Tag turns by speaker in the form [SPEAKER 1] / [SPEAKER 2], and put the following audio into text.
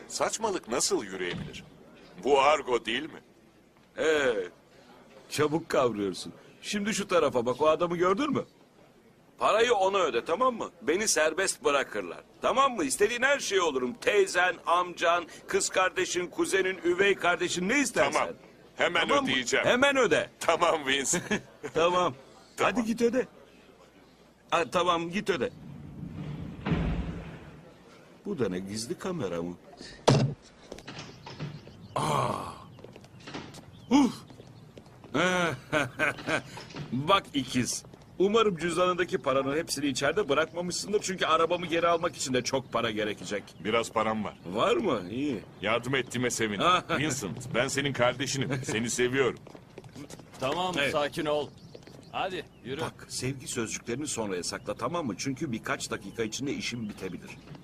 [SPEAKER 1] Saçmalık nasıl yürüyebilir? Bu argo değil mi?
[SPEAKER 2] Çabuk kavruyorsun. Şimdi şu tarafa bak, o adamı gördün mü? Parayı ona öde, tamam mı? Beni serbest bırakırlar. Tamam mı? İstediğin her şey olurum. Teyzen, amcan, kız kardeşin, kuzenin, üvey kardeşin, ne istersen.
[SPEAKER 1] Tamam. Hemen
[SPEAKER 2] Tamam mı?
[SPEAKER 1] ödeyeceğim.
[SPEAKER 2] Hemen öde.
[SPEAKER 1] Tamam Vince.
[SPEAKER 2] Tamam.
[SPEAKER 1] Tamam.
[SPEAKER 2] Hadi git öde. Ha, tamam, git öde. Bu da ne, gizli kamera mı? Uf. Bak ikiz. Umarım cüzdanındaki paranın hepsini içeride bırakmamışsındır. Çünkü arabamı geri almak için de çok para gerekecek.
[SPEAKER 1] Biraz param var.
[SPEAKER 2] Var mı? İyi.
[SPEAKER 1] Yardım ettiğime sevindim. Vincent, ben senin kardeşinim. Seni seviyorum.
[SPEAKER 3] Tamam,
[SPEAKER 2] Evet.
[SPEAKER 3] sakin ol. Hadi yürü.
[SPEAKER 2] Bak, sevgi sözcüklerini sonraya sakla, tamam mı? Çünkü birkaç dakika içinde işim bitebilir.